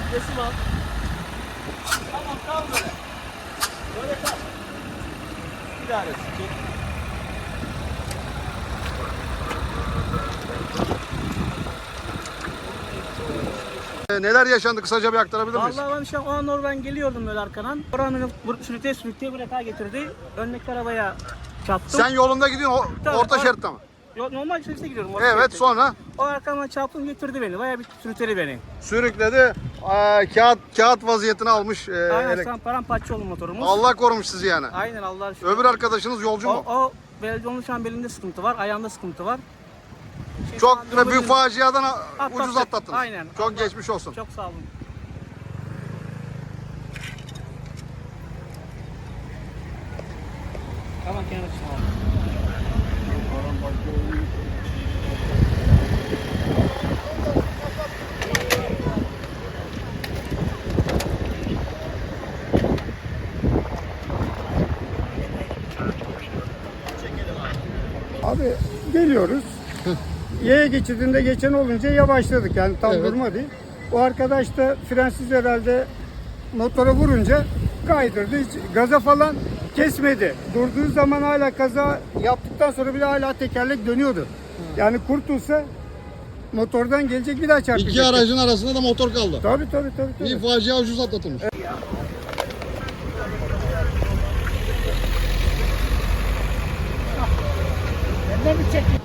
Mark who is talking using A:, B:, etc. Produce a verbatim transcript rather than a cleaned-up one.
A: Resim al. Tamam kal böyle. Böyle kal. Bir daha resim çek.
B: Ee, Neler yaşandı kısaca bir aktarabilir miyiz?
A: Vallahi ben işte o an oradan geliyordum böyle arkadan. Oranın sürüte sürüte bıraka getirdi. Öndeki arabaya çarptım.
B: Sen yolunda gidiyorsun o-
A: Tabii,
B: orta
A: or-
B: şeritte mi?
A: Yo- Normal şeritte gidiyorum. orta
B: Evet
A: şeritte.
B: sonra
A: O arkamdan çarptım getirdi beni. Bayağı bir sürüteli beni.
B: sürükledi. Aa, kağıt kağıt vaziyetine almış. e,
A: Aynen
B: elek-
A: şu an paramparça oldu motorumuz.
B: Allah korumuş sizi yani.
A: Aynen Allah'a şükür.
B: Öbür arkadaşınız yolcu
A: O,
B: mu?
A: o belediyenin şu an belinde sıkıntı var. Ayağında sıkıntı var. Şey, şu
B: Çok
A: an
B: büyük
A: yolun-
B: faciadan a-
A: Atlattık.
B: ucuz atlattınız.
A: Aynen.
B: Çok
A: Allah-
B: geçmiş olsun.
A: Çok sağ olun. Tamam kenara çıkalım.
C: Abi geliyoruz. Yaya geçidinde geçen olunca yavaşladık yani tam
B: Evet.
C: durma değil. O arkadaş da frensiz herhalde motora vurunca kaydırdı. Hiç gaza falan kesmedi. Durduğu zaman hala kaza yaptıktan sonra bile hala tekerlek dönüyordu. Yani kurtulsa motordan gelecek bir daha çarpacak.
B: İki aracın arasında da motor kaldı.
C: Tabii tabii tabii. tabii.
B: Bir facia ucuz atlatılmış.
A: Benden bir çek.